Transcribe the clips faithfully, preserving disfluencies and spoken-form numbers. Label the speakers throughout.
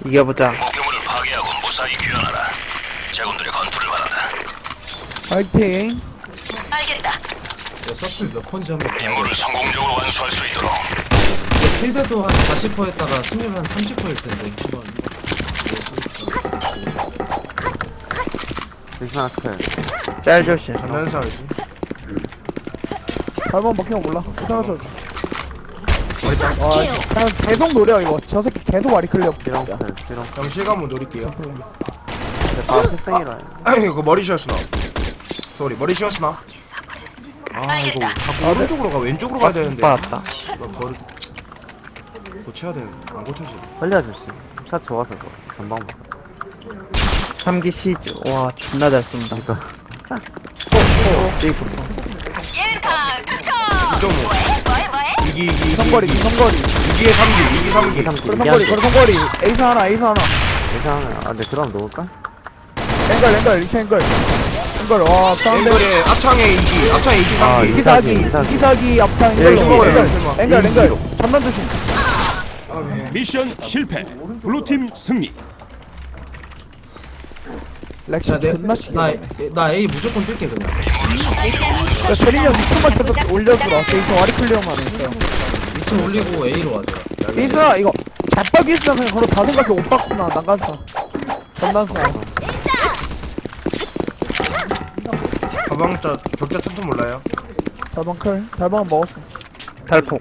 Speaker 1: 이겨보자.
Speaker 2: 목표물을 파괴하고 무사히 귀환하라. 제군들의 건투를 바란다.
Speaker 3: 파이팅.
Speaker 4: 알겠다.
Speaker 5: 야, 서플 몇 번째 한번 봐야
Speaker 2: 임무를 성공적으로 완수할 수 있도록.
Speaker 5: 돼. 필드도 한 사십 퍼센트 했다가 승률 한 삼십 퍼센트일 텐데. 이건
Speaker 6: 괜찮아, 클.
Speaker 1: 짤 조심.
Speaker 7: 장난해서 알지.
Speaker 3: 잘못 먹히면 몰라. 괜찮아서.
Speaker 7: 머리 짱.
Speaker 3: 와, 그냥 계속 노려 이거. 저 새끼 계속 와리 클리어.
Speaker 6: 비롱 클, 비롱.
Speaker 7: 형 실감 한번 노릴게요.
Speaker 6: 아, 필승이라 해.
Speaker 7: 아니 이거 머리 쉬었으나. 쏘리 머리 쉬었으나. 아 이거 자꾸 오른쪽으로 가 왼쪽으로 가야 되는데.
Speaker 1: 받았다.
Speaker 7: 이거 머리 고쳐야 되는데 안 고쳐지.
Speaker 6: 빨리 아저씨. 샷 좋아서 그거. 전방 봐.
Speaker 1: 삼기 시즈. 와, 존나 잘 쏜다.
Speaker 6: 이거.
Speaker 1: 삐고.
Speaker 4: 예타 투척.
Speaker 7: 이점오.
Speaker 4: 뭐해 뭐해?
Speaker 7: 이기 이기
Speaker 3: 성거리,
Speaker 7: 이기.
Speaker 3: 성거리.
Speaker 7: 이기에 삼기 이기 삼기.
Speaker 6: 이게 삼
Speaker 3: 그래 성거리, 그래 성거리. 에이스 하나, 에이스 하나.
Speaker 6: 괜찮아. 아, 근데 그럼 놓을까?
Speaker 3: 앵글, 앵글, 이차 앵글. 앵글, 와, 사운드.
Speaker 7: 앵글에 앞창에 이기 앞창에 이기
Speaker 6: 아,
Speaker 7: 삼기.
Speaker 3: 이기사기,
Speaker 6: 이기사기.
Speaker 3: 이기사기 앞창
Speaker 1: 예,
Speaker 3: 앵글.
Speaker 1: 이거
Speaker 3: 앵글,
Speaker 7: 설마.
Speaker 3: 앵글, 앵글. 전단 조심.
Speaker 7: 아 왜?
Speaker 2: 미션 실패. 블루팀 승리.
Speaker 3: 렉시
Speaker 5: 야, 내,
Speaker 3: 존나 시게.
Speaker 5: 나, 나 A 무조건 뛸게 그냥.
Speaker 3: 야, 세린이 형 이쪽만 계속 올려주라. 에이스 와리 클리어만 해.
Speaker 5: 이 층 올리고 A로 가자.
Speaker 3: 에이스나 이거 잡박이 있으나 그냥 걸어 다 생각해. 오빠구나, 난간사. 전단사.
Speaker 7: 가방자 격자 틈틈 몰라요?
Speaker 3: 달방 클. 달방 먹었어.
Speaker 1: 탈폭.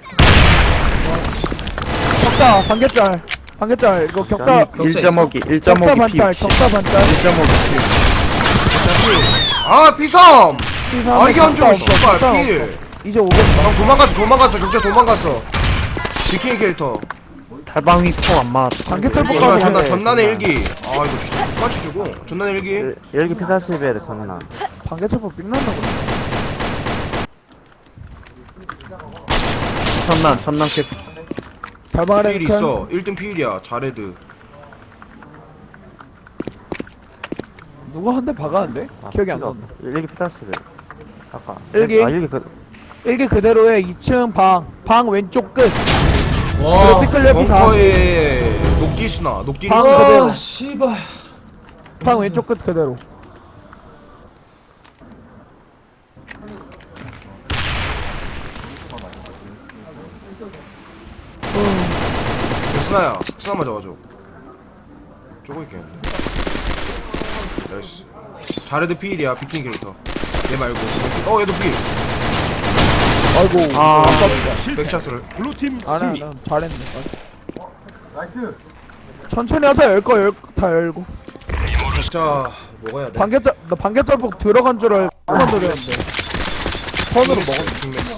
Speaker 3: 격자, 반개짤. 반개짤. 이거 격자.
Speaker 1: 일 점 오기. 일 점
Speaker 3: 격자
Speaker 1: 오기 피
Speaker 3: 반짤,
Speaker 1: 육십.
Speaker 3: 격자 반짤.
Speaker 1: 일 점 오기 피 육십.
Speaker 7: 아 피섬!
Speaker 3: 피사
Speaker 7: 아 이게
Speaker 3: 격자
Speaker 7: 한쪽
Speaker 3: 없어,
Speaker 7: 씨발
Speaker 3: 격자
Speaker 7: 필!
Speaker 3: 없어. 이제 오겠다.
Speaker 7: 형 도망갔어 도망갔어 격자 도망갔어 지킹 캐릭터
Speaker 1: 달방 위포 안 맞았다.
Speaker 3: 반개짤
Speaker 7: 이거
Speaker 3: 뽑아서
Speaker 7: 전난
Speaker 3: 해.
Speaker 7: 전난의 일기 아 이거 진짜 똑같이 주고 전난의 일기
Speaker 6: 열기 피사십에 전난.
Speaker 3: 반개짤 뽑 빅난다 그래.
Speaker 1: 천난, 천난 캐.
Speaker 3: 달방 아래
Speaker 7: 필
Speaker 3: 클.
Speaker 7: 있어 일 등 필이야 자레드
Speaker 3: 누가 한 대 박았는데?
Speaker 6: 아,
Speaker 3: 기억이 안
Speaker 6: 필요
Speaker 3: 난다.
Speaker 6: 없다. 열기 피사십에. 아까.
Speaker 3: 일기?
Speaker 6: 아, 열기 그.
Speaker 3: 일개 그대로 해. 이 층 방. 방 왼쪽 끝.
Speaker 5: 와.
Speaker 3: 그리고 피클레피 다.
Speaker 7: 벙커에 녹디스나 녹디
Speaker 3: 방
Speaker 7: 녹디
Speaker 3: 그대로.
Speaker 5: 아, 씨발.
Speaker 3: 방 왼쪽 끝 그대로.
Speaker 7: 스나야 스나 맞아가지고 쪼고 있겠는데 나이스 자레드 필이야 비킹 캐릭터 얘 말고 어 얘도 필
Speaker 3: 아이고.
Speaker 1: 아.
Speaker 7: 백샷을
Speaker 2: 블루팀
Speaker 3: 안 해,
Speaker 2: 승리.
Speaker 3: 난 잘했네. 나이스. 천천히 하자. 열 거, 열, 다 열고.
Speaker 7: 격자 먹어야 돼
Speaker 3: 반개짤, 나 반개짤 보고 들어간 줄 알고 만 노렸는데. 선으로 먹었네.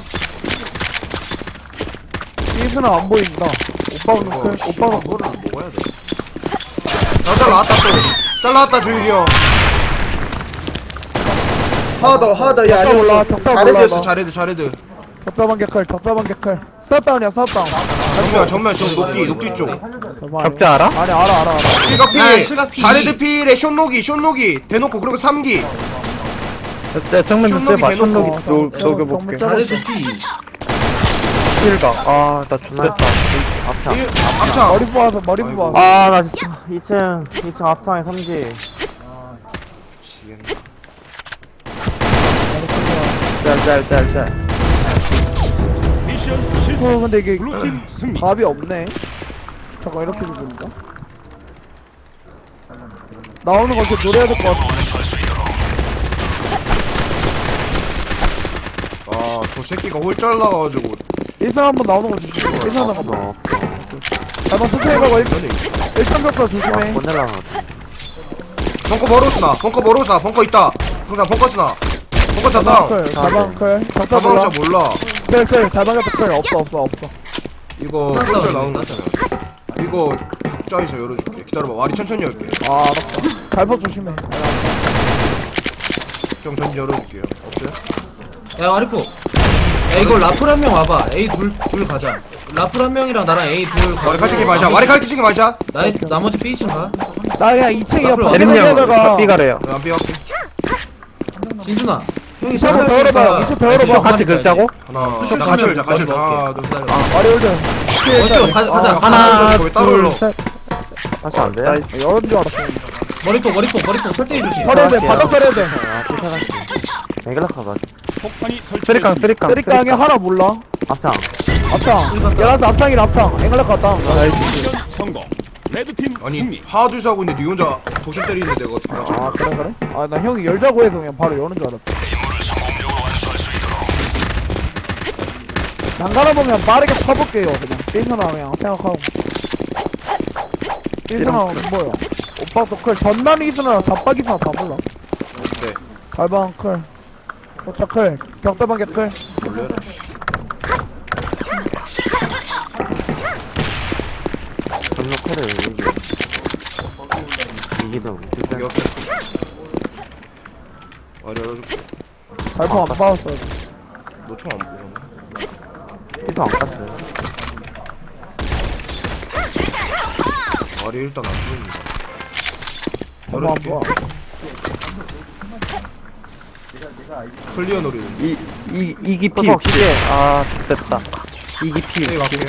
Speaker 3: 이수는 안 보인다. 오빠는
Speaker 7: 이거
Speaker 3: 클,
Speaker 7: 씨발,
Speaker 3: 오빠는
Speaker 7: 그거를 먹어야 돼. 잘 나왔다 또. 잘 나왔다 조일이 형. 하나 더 하나 더. 야
Speaker 3: 격자 올라,
Speaker 7: 아니었어.
Speaker 3: 격자
Speaker 7: 자레드였어
Speaker 3: 올라가.
Speaker 7: 자레드 자레드.
Speaker 3: 격자 반개클, 격자 반개클. 스타다운이야, 스타다운.
Speaker 7: 정면 정면 저 녹디 녹디 쪽.
Speaker 1: 격자 알아?
Speaker 3: 아니, 알아, 알아, 알아.
Speaker 7: 실각
Speaker 5: 아,
Speaker 7: 필.
Speaker 5: 실각 필.
Speaker 7: 자레드 필에 숏녹이 숏녹이 대놓고 그리고 삼 기.
Speaker 1: 내 정면 좀
Speaker 7: 촌록이
Speaker 1: 떼봐.
Speaker 7: 대놓고.
Speaker 1: 촌록이
Speaker 3: 어,
Speaker 1: 녹-
Speaker 3: 어,
Speaker 1: 녹여볼게.
Speaker 3: 정말
Speaker 5: 잘해도 B.
Speaker 1: 실각. 아, 나 죽겠다.
Speaker 6: 앞창.
Speaker 7: 일 앞창.
Speaker 3: 머리 뽑아서, 머리
Speaker 7: 아이고.
Speaker 3: 뽑아서.
Speaker 1: 아, 나 진짜.
Speaker 6: 이 층, 이 층 앞창에 삼기.
Speaker 7: 미치겠네.
Speaker 1: 짤, 짤, 짤, 짤.
Speaker 2: 미션 실패.
Speaker 3: 어, 근데 이게
Speaker 2: 블루팀 승리.
Speaker 3: 답이 없네. 잠깐, 이렇게 죽는다. 나오는 거 이렇게 노려야 될 것 같아.
Speaker 2: 완수할 수 있도록.
Speaker 7: 아저 새끼가 홀짝 나가가지고.
Speaker 3: 일상 한번 나오는 거 조심해. 일상 한번 봐.
Speaker 6: 어,
Speaker 3: 나만 천천히 가고 일상 격파 조심해.
Speaker 6: 보내려면
Speaker 7: 벙커 버로스나 벙커 버로스나 벙커 있다. 항상 벙커 스나. 벙커 차 다운.
Speaker 3: 클, 다방클, 격파
Speaker 7: 가방
Speaker 3: 몰라.
Speaker 7: 자 몰라.
Speaker 3: 클, 클, 다방격파 클 없어, 없어, 없어.
Speaker 7: 이거
Speaker 5: 땄다,
Speaker 7: 홀짝 나오는 거
Speaker 5: 땄다.
Speaker 7: 있잖아. 이거 각자에서 열어줄게. 기다려봐. 와리 천천히 열게.
Speaker 3: 아, 알았다. 갈파 조심해.
Speaker 7: 형 전지 열어줄게요. 없어요?
Speaker 5: 야, 아리포. 야, 이거 라플 한 명 와봐. A 둘, 둘 가자. 라플 한 명이랑 나랑 A 둘 가고.
Speaker 7: 와리 칼치기 마자. 와리 칼치기 마자.
Speaker 5: 나이, 나머지 B 층 가.
Speaker 3: 나 그냥 이 층이야.
Speaker 5: 앞으로
Speaker 1: 예림 형,
Speaker 3: 밖에다가
Speaker 1: 삐가래요.
Speaker 7: 안 비할게.
Speaker 5: 진준아. 형이
Speaker 3: 이쪽
Speaker 5: 샷을
Speaker 3: 더 열어봐.
Speaker 5: 쏘니까
Speaker 3: 이쪽 더 열어봐.
Speaker 1: 같이 긁자고?
Speaker 7: 하나.
Speaker 5: 슛
Speaker 7: 나 같이
Speaker 5: 쏘면
Speaker 7: 열자. 같이 열자.
Speaker 5: 머리
Speaker 7: 하나,
Speaker 5: 먹을게.
Speaker 7: 둘.
Speaker 5: 기다려.
Speaker 3: 마리 올드.
Speaker 5: 어쩌, 가, 가자.
Speaker 7: 아,
Speaker 1: 하나,
Speaker 7: 거기 따로
Speaker 1: 둘,
Speaker 7: 열어.
Speaker 1: 셋.
Speaker 6: 다시 안 돼?
Speaker 1: 나이스.
Speaker 3: 열은 줄 알았어.
Speaker 5: 머리폭 머리폭 머리폭 설대기 조심.
Speaker 3: 서려야 돼, 바닥 서려야 돼.
Speaker 6: 아, 피사가시. 앵글라카가.
Speaker 2: 폭탄이
Speaker 1: 쓰리깡,
Speaker 2: 설치됐습니다.
Speaker 1: 쓰리깡.
Speaker 3: 쓰리깡에 하나 몰라.
Speaker 6: 앞창.
Speaker 3: 앞창. 얘라서 앞창이라 앞창. 앵글라 갔다.
Speaker 2: 미션 성공. 레드팀
Speaker 7: 아니
Speaker 2: 승리.
Speaker 7: 하나 둘 하고 있는데 니 혼자 도심 때리는데 내가 어떻게 하지?
Speaker 3: 아, 그래, 그래? 아, 나 형이 열자고 해서 그냥 바로 여는 줄 알았어.
Speaker 2: 임무를 성공적으로 완수할 수 있도록.
Speaker 3: 난가라 보면 빠르게 쳐볼게요, 그냥. 삐서나 그냥 생각하고. 삐서나 뭐요? 오빠 또 클. 전남 이스나 잡박 이스나 다 몰라.
Speaker 7: 네
Speaker 3: 갈방 클. 도착 클. 격대방개 클.
Speaker 7: 원래
Speaker 6: 전로커를 이기. 이기도 진짜.
Speaker 7: 여기 아니
Speaker 3: 갈방 안 받았어.
Speaker 7: 너총안 보네.
Speaker 6: 피도 안 깠어요.
Speaker 7: 말이 일단 안 보입니다.
Speaker 3: 갈방 안
Speaker 7: 열어줄게.
Speaker 3: 봐.
Speaker 7: 클리어 노리는.
Speaker 1: 이, 이, 이기 피
Speaker 6: 어,
Speaker 1: 육십. 아, 됐다. 이기 피
Speaker 7: 네
Speaker 1: 육십.
Speaker 7: 갈게요.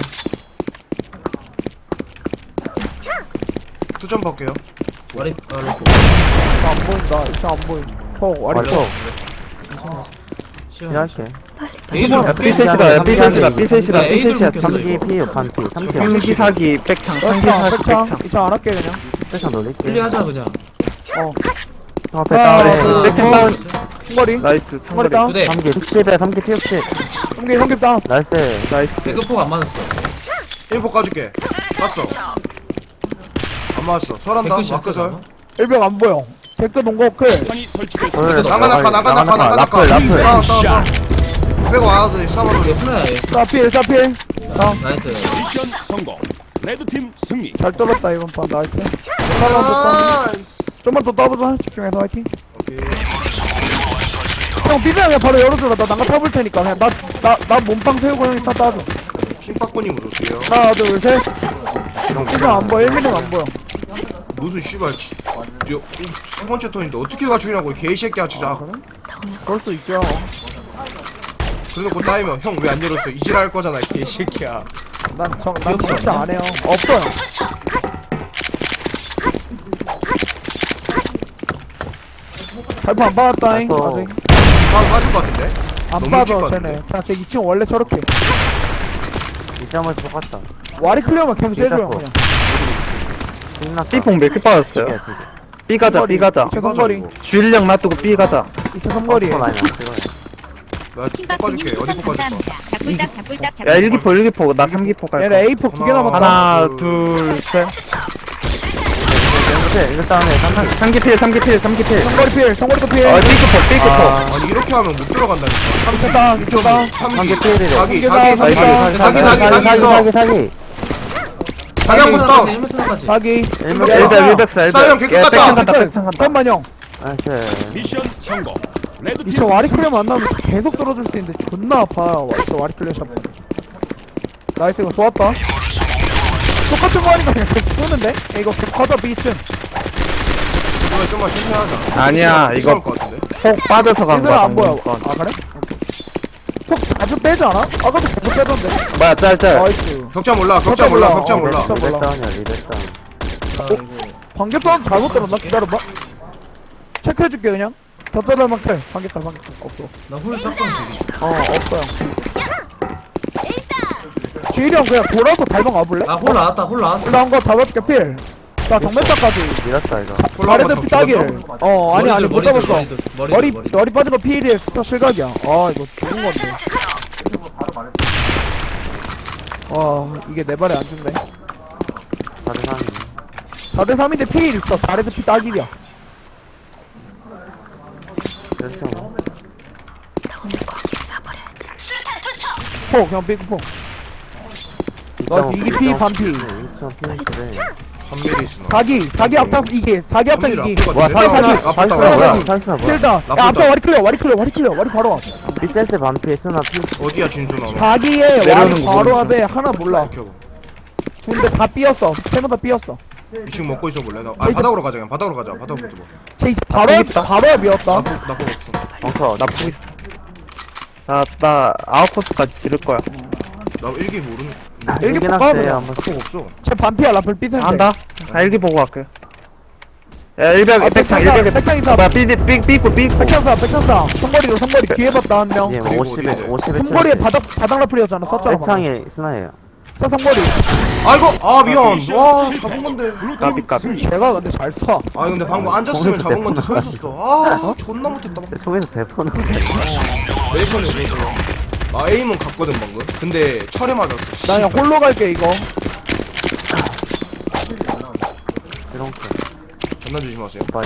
Speaker 7: 투점 볼게요.
Speaker 5: 머리 아 로폭.
Speaker 3: 안 보인다. 이차 안 보임. 톡, 와리 톡.
Speaker 5: 시원.
Speaker 6: 피할게.
Speaker 5: 에이돌
Speaker 1: 삐셋이다, 삐셋이다, 삐셋이다,
Speaker 5: 네, 에이돌
Speaker 1: 삐셋이야.
Speaker 5: 좀
Speaker 6: 삼기 피, 반피, 삼기.
Speaker 1: 삼기 사기, 백창, 삼기
Speaker 3: 백창,
Speaker 1: 사기,
Speaker 3: 백창.
Speaker 1: 백창.
Speaker 3: 이차 안 할게, 그냥.
Speaker 6: 패션 놀릴게.
Speaker 5: 클리어하자 그냥.
Speaker 3: 어.
Speaker 6: 어,
Speaker 3: 아,
Speaker 6: 됐다.
Speaker 1: 그래.
Speaker 3: 어,
Speaker 1: 백창 다운.
Speaker 3: 승거리.
Speaker 1: 나이스,
Speaker 3: 머리
Speaker 1: 청거리.
Speaker 3: 다운.
Speaker 5: 두 대.
Speaker 6: 삼기 육십에 삼기 피 육십.
Speaker 3: 형기, 형기 다운.
Speaker 6: 나이스.
Speaker 1: 나이스.
Speaker 5: 배급폭 안 맞았어.
Speaker 7: 인포 까줄게. 깠어. 안 맞았어. 설한다.
Speaker 5: 백끝이야,
Speaker 7: 마크설.
Speaker 5: 그거.
Speaker 3: 일병 안 보여. 댓글 농구 클.
Speaker 2: 폭탄이 설치됐습니다.
Speaker 6: 오늘
Speaker 7: 나가 나가 나가 나가 나가 나가.
Speaker 6: 라플, 라플.
Speaker 7: 다운 다운 다운. 빼고 와도 돼. 싸워
Speaker 5: 이게
Speaker 7: 노리.
Speaker 5: 스나야 얘.
Speaker 3: 사필, 사필. 다운.
Speaker 5: 나이스.
Speaker 2: 미션 성공. 레드팀 승리.
Speaker 3: 잘 떨었다, 이번 판. 나이스. 하나만 더 따.
Speaker 7: 나이스.
Speaker 3: 좀만 더 떠보자. 집중해서 화이팅.
Speaker 7: 오케이.
Speaker 3: 형, 비벼 그냥 바로 열어주라. 나 난가 타볼 테니까. 그냥 나, 나, 나 몸빵 세우고 형이 타 따줘.
Speaker 7: 킹박군님 오세요.
Speaker 3: 하나, 둘, 셋. 비벼 안 보여. 일 미리는 안 보여.
Speaker 7: 무슨 씨발 치- 여- 이 세 번째 턴인데 어떻게 갖추냐고 이 개새끼야 진짜.
Speaker 3: 그럴 수 있죠.
Speaker 7: 그래놓고 따이면 형 왜 안 열었어 이질할 거잖아 이 개새끼야.
Speaker 3: 난 정, 난 진짜 안 해요. 없어요. 발포 안 받았다잉.
Speaker 6: 발포.
Speaker 3: 아직.
Speaker 7: 다음 빠질 것 같은데?
Speaker 3: 안
Speaker 7: 너무
Speaker 3: 빠져,
Speaker 7: 일찍
Speaker 3: 쟤네.
Speaker 7: 갔는데?
Speaker 3: 그냥 제 이 층 원래 저렇게.
Speaker 6: 이 점을 똑같다.
Speaker 3: 와리 클리어만 계속 해줘요,
Speaker 6: 일자코.
Speaker 3: 그냥.
Speaker 6: 끝났다.
Speaker 1: B폭 몇 개 빠졌어요?
Speaker 6: 두 개, 두 개.
Speaker 1: B 가자, B 가자.
Speaker 3: 이차 삼거리.
Speaker 1: 주일령 놔두고 B 가자.
Speaker 3: 이차 삼거리.
Speaker 6: 어, 많이 안 찍어요.
Speaker 7: 나 볶아줄게 어디 볶아줄까?
Speaker 8: 닭불닭 닭불닭
Speaker 1: 야, 일기포, 일기포. 나 삼기포 갈
Speaker 3: 얘네
Speaker 1: 거야.
Speaker 3: 에이 포 두 개
Speaker 7: 하나,
Speaker 3: 남았다.
Speaker 1: 하나,
Speaker 7: 둘,
Speaker 1: 둘, 셋.
Speaker 6: 이렇게, 이거 다음에 삼기.
Speaker 1: 삼기 필, 삼기 필, 삼기 필.
Speaker 3: 성거리 필, 성거리도 필.
Speaker 1: 어, B급포, B급포.
Speaker 6: 아,
Speaker 7: 아니 이렇게 하면 못 들어간다니까.
Speaker 3: 미쳤다, 미쳤다.
Speaker 6: 삼기 필이래.
Speaker 7: 사기
Speaker 3: 삼기
Speaker 7: 사기 사기
Speaker 3: 사기,
Speaker 7: 사기 사기 사기
Speaker 6: 사기,
Speaker 7: 사기 있어.
Speaker 6: 사기, 사기.
Speaker 7: 사기 한번 붙어.
Speaker 5: 일문 스나까지.
Speaker 3: 자기.
Speaker 6: 일문
Speaker 3: 야,
Speaker 1: 일배,
Speaker 3: 야,
Speaker 1: 일백사, 일백.
Speaker 7: 싸형 깨끗
Speaker 1: 야,
Speaker 7: 같다.
Speaker 1: 백창 간다, 백창 간다.
Speaker 3: 잠깐만 형.
Speaker 6: 나이스.
Speaker 2: 미션 성공. 레드팀
Speaker 3: 이차 와리 클리어
Speaker 2: 승리.
Speaker 3: 만나면 계속 떨어질 수 있는데 존나 아파요. 이차 와리 클리어 샷. 나이스 이거 좋았다. 똑같은 거 하니까 그냥 계속 쏘는데? 야, 이거 커져 비층.
Speaker 7: 이거 좀만 천천히 하자.
Speaker 1: 아니야, 이거
Speaker 7: 이거 것 같은데?
Speaker 1: 폭 빠져서 간
Speaker 3: 얘들
Speaker 1: 거야.
Speaker 3: 안 보여.
Speaker 1: 방금 건.
Speaker 3: 아 그래? 속 자주 빼지 않아? 아까도 계속 빼던데.
Speaker 1: 뭐야, 짤, 짤.
Speaker 3: 나이스.
Speaker 7: 격자 몰라 격자 몰라 격자
Speaker 3: 어,
Speaker 7: 몰라.
Speaker 3: 격자 몰라.
Speaker 6: 리백다운이야, 리백다운.
Speaker 5: 아, 이거.
Speaker 3: 방개선 잘못 들었나? 기다려봐. 체크해줄게 그냥. 덧자달만 클. 방개칼 방개칼. 없어.
Speaker 5: 나홀 짝꿍 지금.
Speaker 3: 어 없어요. 주일이 형 그냥 돌아서 달방 와볼래?
Speaker 5: 아홀 나왔다 홀 나왔어.
Speaker 3: 올라온 거 잡아줄게 필. 나 정면차까지.
Speaker 6: 밀었다, 이거.
Speaker 7: 올라온
Speaker 3: 자레드
Speaker 7: 거
Speaker 3: 피따길.
Speaker 7: 죽었어?
Speaker 3: 어 아니 아니 못
Speaker 5: 머리들,
Speaker 3: 잡았어.
Speaker 5: 머리들, 머리들,
Speaker 3: 머리
Speaker 5: 머리들.
Speaker 3: 머리 빠진 거 필이에 스타 실각이야. 아 이거 좋은 건데. 와 이게 내 발에 안 준대.
Speaker 6: 다른 사람이.
Speaker 3: 사 대 삼인데 필 있어. 자레드 피따길이야.
Speaker 6: 그렇죠. 뭐.
Speaker 3: 포 그냥 삐고 포. 너 이기 피 반피.
Speaker 6: 이 점 피 그래.
Speaker 7: 삼 미리 있으나.
Speaker 3: 사기 사기 앞장 이기 사기 앞장 이기.
Speaker 6: 와,
Speaker 7: 와
Speaker 6: 사기,
Speaker 7: 사기
Speaker 3: 사기.
Speaker 7: 아프다
Speaker 3: 사기,
Speaker 7: 뭐야?
Speaker 3: 사기.
Speaker 6: 살수나 뭐야?
Speaker 3: 필다. 야
Speaker 7: 나쁘다.
Speaker 3: 앞장 와리 클리어 와리 클리어 와리 클리어 와리 바로 와.
Speaker 6: 빅센스 반피, 스나 피.
Speaker 7: 어디야 진수나?
Speaker 3: 사기에 와리
Speaker 1: 내려오는 거
Speaker 3: 바로
Speaker 1: 모르겠어.
Speaker 3: 앞에 하나 몰라. 근데 다 삐었어. 세모 다 삐었어.
Speaker 7: 이층 먹고 있어 볼래? 나, 아 바닥으로 가자 그냥 바닥으로 가자 바닥으로 붙어 봐.
Speaker 3: 쟤 이제 바로 앞- 바로 앞이었다.
Speaker 7: 나쁘 나쁘 없어.
Speaker 1: 벙커, 나 보고 있어. 나, 나 아웃포스까지 지를 거야.
Speaker 7: 나 일기 모르는.
Speaker 3: 일기
Speaker 6: 일기
Speaker 3: 볼까,
Speaker 6: 났어요
Speaker 3: 그냥?
Speaker 6: 한번.
Speaker 7: 총 없어.
Speaker 3: 쟤 반피야 라플 삐센데.
Speaker 1: 안다. 아, 일기 보고 갈게. 야, 일벽,
Speaker 3: 아,
Speaker 1: 백창,
Speaker 3: 백창
Speaker 1: 일벽에
Speaker 3: 백창 있어.
Speaker 1: 뭐야, 삐, 삐, 삐꾸, 삐꾸.
Speaker 3: 백창사 백창사 성거리로 성거리 뒤에 봤다 한명
Speaker 6: 예,
Speaker 7: 그리고
Speaker 6: 오십에
Speaker 7: 어디에?
Speaker 6: 오십에
Speaker 3: 성거리에 바닥 바닥 라플이었잖아 썼잖아 방금.
Speaker 6: 백창에 스나예요.
Speaker 3: 써 성거리.
Speaker 7: 아이고 아 미안. 와 잡은 건데.
Speaker 1: 까비, 까비.
Speaker 3: 제가 근데 잘 써.
Speaker 7: 아 근데 방금 앉았으면
Speaker 6: 거기서
Speaker 7: 잡은 건데
Speaker 6: 대포
Speaker 7: 서 있었어. 아 존나 못했다.
Speaker 6: 속에서 대포는
Speaker 7: 메이션이 나 에임은 갔거든 방금. 근데 철에 맞았어.
Speaker 3: 나 그냥 홀로 갈게 이거.
Speaker 6: 이런 거
Speaker 7: 존나 조심하세요.
Speaker 6: 빨리.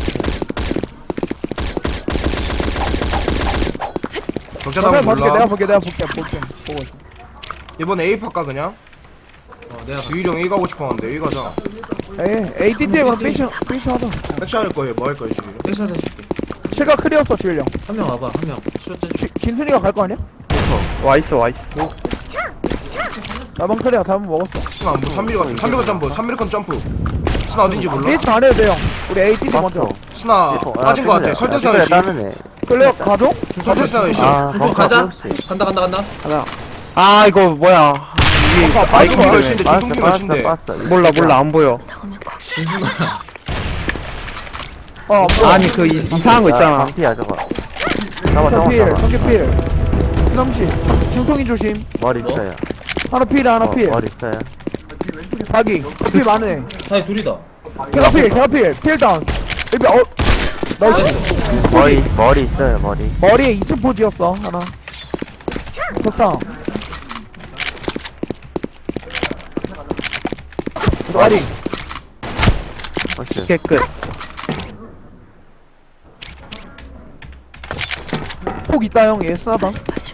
Speaker 7: 적자
Speaker 3: 내가
Speaker 7: 답은
Speaker 3: 볼게 내가
Speaker 7: 몰라.
Speaker 3: 볼게 내가 볼게 볼게 보고 있어.
Speaker 7: 이번 A 팔까 그냥?
Speaker 5: 어 내가
Speaker 7: 주일형 A 가고 싶었는데 A 가자.
Speaker 3: 에이 에이티티에 그럼 삐션 삐션 하자.
Speaker 7: 백시 할 거예요. 뭐 할 거예요 주일형?
Speaker 5: 백샷 해줄게.
Speaker 3: 실각 클리어했어 주일령.
Speaker 5: 한 명 와봐 한 명. 슈트
Speaker 3: 지- 진순이가 갈 거 아니야?
Speaker 1: 와있어, 와있어.
Speaker 3: 나방 클리어 다음 먹었어.
Speaker 7: 스나 안 보. 삼 밀 같은. 삼 밀 점프. 삼 밀 점프. 스나 어딘지 몰라?
Speaker 3: 삐션 안 해도 돼요. 우리 에이티티 먼저.
Speaker 6: 맞죠?
Speaker 7: 스나 빠진 거 같아. 설대사 씨.
Speaker 6: 다른 애.
Speaker 3: 클리어 가죠?
Speaker 7: 설대사 씨.
Speaker 6: 아,
Speaker 5: 어,
Speaker 6: 벙커
Speaker 5: 가자.
Speaker 6: 혹시.
Speaker 5: 간다 간다 간다.
Speaker 1: 하나. 아, 이거 뭐야. 이게,
Speaker 3: 아,
Speaker 1: 아,
Speaker 3: 빠진
Speaker 1: 이거
Speaker 3: 거야.
Speaker 7: 걸친데 중통기
Speaker 6: 빠졌어,
Speaker 7: 걸친데.
Speaker 6: 빠졌어.
Speaker 1: 몰라, 몰라, 안 보여.
Speaker 5: 진순아.
Speaker 3: 어 뭐.
Speaker 1: 아니, 그, 이- 이상한 거 있잖아.
Speaker 6: 방피야 저거. 잡아 잡아
Speaker 3: 성필
Speaker 6: 잡아.
Speaker 3: 성필 수남씨 중통이 조심.
Speaker 6: 머리
Speaker 5: 뭐?
Speaker 6: 있어요.
Speaker 3: 하나 필 하나
Speaker 6: 어,
Speaker 3: 필.
Speaker 6: 머리 있어요.
Speaker 3: 자기 필 많네.
Speaker 5: 사이 둘이다.
Speaker 3: 걔가 필 걔가 필필 다운. 여기 어 나이스.
Speaker 5: 나이스.
Speaker 6: 머리 머리 있어요 머리.
Speaker 3: 머리에 이층 포지였어 하나. 좋다. 머리.
Speaker 6: 혹시.
Speaker 1: 깨끗.
Speaker 3: 폭 있다 형. 얘 쓰나봐.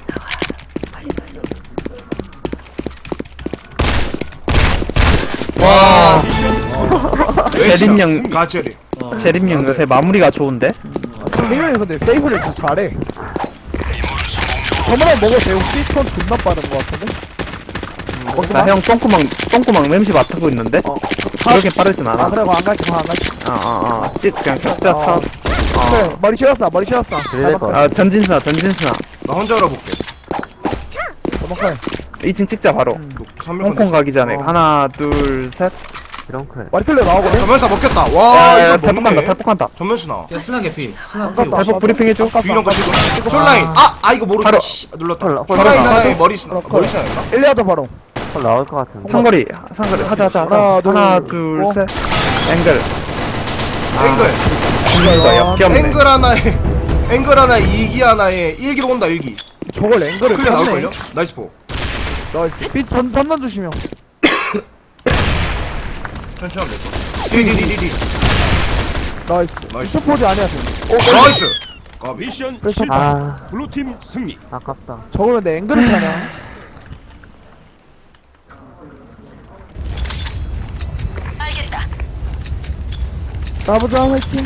Speaker 1: 와,
Speaker 7: 왜
Speaker 1: 제림형,
Speaker 7: 가짜리.
Speaker 5: 어.
Speaker 1: 제림형 요새 마무리가 좋은데?
Speaker 3: 세명이 근데 세이브를 더 잘해. 저번에 먹었어. 형 피스톤 존나 빠른 거 같은데. 먹지
Speaker 1: 나
Speaker 3: 마.
Speaker 1: 형 똥구멍, 똥구멍 맴시 맡고 있는데?
Speaker 3: 어.
Speaker 1: 그렇게 빠르진
Speaker 3: 아
Speaker 1: 않아.
Speaker 3: 그래 그거 안 갈게 그거 안 갈게.
Speaker 1: 어, 어, 어. 찍, 그냥 격자 차.
Speaker 3: 어. 그래 머리 치웠어 머리 치웠어.
Speaker 6: 그래, 거.
Speaker 1: 아, 전진수나, 전진수나.
Speaker 7: 나 혼자 알아볼게.
Speaker 3: 도망가요.
Speaker 1: 이 층 찍자, 바로.
Speaker 7: 삼 밀
Speaker 1: 홍콩 가기 전에.
Speaker 3: 어.
Speaker 1: 하나, 둘, 셋.
Speaker 6: 이런 거.
Speaker 3: 와리클레 나오거든.
Speaker 7: 전면사 먹겠다.
Speaker 1: 야,
Speaker 7: 와
Speaker 1: 야,
Speaker 7: 이거
Speaker 1: 탈폭한다,
Speaker 7: 먹네.
Speaker 1: 탈폭한다.
Speaker 7: 전면수나.
Speaker 5: 야 스나 개피. 스나
Speaker 3: 아깝다.
Speaker 5: 피.
Speaker 1: 탈폭 브리핑 해줘.
Speaker 7: 주일형 거 지금. 쫄라인. 아, 아 이거 모르.
Speaker 1: 바로.
Speaker 7: 씨, 눌렀다.
Speaker 6: 홀라, 홀라.
Speaker 7: 쫄라인
Speaker 1: 홀라.
Speaker 7: 하나에 머리 스나.
Speaker 3: 홀라.
Speaker 7: 머리 스나인가?
Speaker 3: 일, 이 하자 바로.
Speaker 6: 헐 나올 것 같은데.
Speaker 1: 상거리, 상거리. 하자, 하자, 하자.
Speaker 3: 하나, 둘,
Speaker 1: 하나, 둘,
Speaker 3: 어.
Speaker 1: 셋. 앵글.
Speaker 7: 앵글.
Speaker 1: 이거 역겹네.
Speaker 7: 앵글 하나에 앵글 하나에 이기 하나에 일기로 온다 일기.
Speaker 3: 저걸 앵글을
Speaker 7: 클리어
Speaker 3: 쳤네.
Speaker 7: 나올걸요? 나이스 포.
Speaker 3: 나이스. 빛 전, 전난 조심형.
Speaker 7: 천천히 하면 돼. 디디디디디.
Speaker 3: 나이스.
Speaker 7: 나이스.
Speaker 3: 첫 포즈 아니야 지금. 오,
Speaker 7: 나이스. 까비.
Speaker 8: 미션
Speaker 3: 그래서
Speaker 8: 실패.
Speaker 6: 아
Speaker 8: 블루팀 승리.
Speaker 6: 아깝다.
Speaker 3: 저걸 근데 앵글을 타냐?
Speaker 4: 알겠다.
Speaker 3: 가보자 화이팅.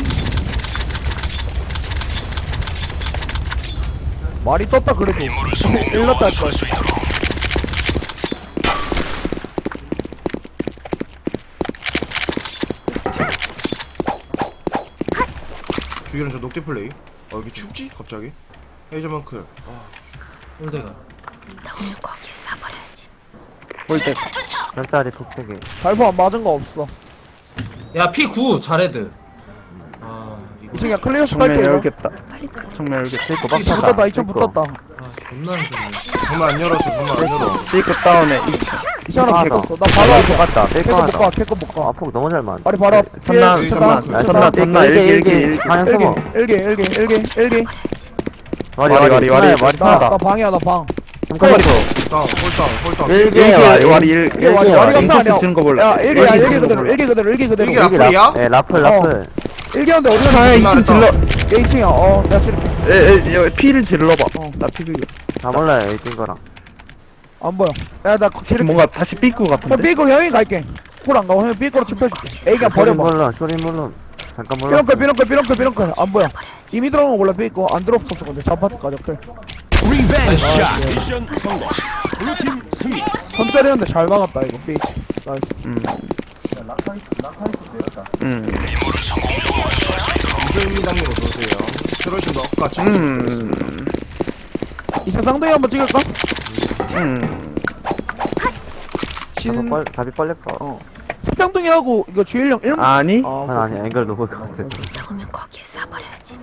Speaker 3: 말이 떴다 그래도. 일렀다 할 거야.
Speaker 7: 주기는 저 녹대 플레이. 어 여기 춥지? 갑자기. 헤이저만크. 아,
Speaker 5: 홀대가.
Speaker 4: 너는 거기에 싸버려야지.
Speaker 1: 볼때
Speaker 4: 투척.
Speaker 6: 별자리 독백이.
Speaker 3: 발포 안 맞은 거 없어.
Speaker 5: 야 피 구 잘해드. 아 이거.
Speaker 3: 이 중에 클리어
Speaker 1: 정면
Speaker 3: 스파이크 이거.
Speaker 1: 열겠다. 정면 열겠다. 이거 막
Speaker 3: 붙었다.
Speaker 1: 사다.
Speaker 3: 이 층 붙었다.
Speaker 5: 아 존나 안 좋네.
Speaker 7: 정말 안 열었어. 정말 안 열어.
Speaker 1: 삐끗 다운에
Speaker 3: 이 층 하나
Speaker 6: 아,
Speaker 3: 붙었어. 나
Speaker 6: 바로
Speaker 3: 바로
Speaker 6: 것
Speaker 3: 할게.
Speaker 6: 같다.
Speaker 3: 캐커
Speaker 6: 뺄거
Speaker 3: 못 가.
Speaker 6: 같다.
Speaker 3: 캐커 못 가.
Speaker 6: 아 폭 너무 잘 맞.
Speaker 3: 말이 바로 앞.
Speaker 1: 전나,
Speaker 3: 뒤에
Speaker 1: 전나,
Speaker 3: 전나.
Speaker 1: 전나, 전나, 일기, 일기, 일기.
Speaker 6: 방향
Speaker 3: 일기
Speaker 6: 서머.
Speaker 3: 일기 일기 일기 일기.
Speaker 6: 머리
Speaker 1: 와리,
Speaker 6: 머리
Speaker 1: 와리,
Speaker 6: 머리
Speaker 1: 와리.
Speaker 6: 머리
Speaker 3: 나,
Speaker 1: 하나다.
Speaker 3: 나 방이야 나 방.
Speaker 6: 잠깐만.
Speaker 7: 다운. 홀다운. 홀다운.
Speaker 6: 일기
Speaker 1: 일기
Speaker 6: 와리
Speaker 1: 와리, 일-
Speaker 3: 이게 와리
Speaker 1: 일기
Speaker 3: 와리
Speaker 1: 와리.
Speaker 3: 감사 아니야.
Speaker 1: 인코스 치는 거 몰라.
Speaker 3: 야 일기야
Speaker 1: 일기
Speaker 3: 일기
Speaker 1: 치는 거
Speaker 3: 그대로
Speaker 1: 몰라.
Speaker 3: 일기 그대로 일기 그대로.
Speaker 7: 일기
Speaker 6: 일기
Speaker 7: 라플이야?
Speaker 6: 라- 예 라플 라플.
Speaker 3: 일기였는데 어디가
Speaker 1: 아,
Speaker 3: 나
Speaker 1: 이 층 질러.
Speaker 3: 얘 이 층이야. 어 내가 칠게.
Speaker 1: 에, 에, 여기 피를 질러봐.
Speaker 3: 어.
Speaker 1: 나 피,
Speaker 6: 다 몰라요 이 거랑.
Speaker 3: 안 보여. 야나 칠게.
Speaker 1: 뭔가 다시 삐꾸
Speaker 3: 형
Speaker 1: 같은데?
Speaker 3: 삐고 형이 갈게. 콜 안 가고 형 삐고로 짚혀줄게. A가
Speaker 6: 소리
Speaker 3: 버려봐.
Speaker 6: 물론 소리 물론. 잠깐 몰라.
Speaker 3: 삐렁클 삐렁클 삐렁클 삐렁클 안 보여. 이미 들어간 거 몰라 삐고 안 들어왔었어 근데 잡아까지 클.
Speaker 8: 리벤지 샷. 미션 성공. 블루팀 승리.
Speaker 3: 선짜리였는데 잘 막았다 이거 삐치. 나이스.
Speaker 1: 음. 음.
Speaker 7: 이소입니다님 어서오세요. 트로시도 엇같이.
Speaker 1: 음.
Speaker 3: 이제 쌍둥이 한번 찍을까?
Speaker 1: 음.
Speaker 3: 진
Speaker 6: 답이 빨 답이 빨렸다.
Speaker 3: 어. 색상둥이하고 이거 주일령 일
Speaker 1: 아니
Speaker 3: 아,
Speaker 6: 아니 아니 앵글 놓을 것 같아.
Speaker 4: 나오면 거기에 쏴버려야지.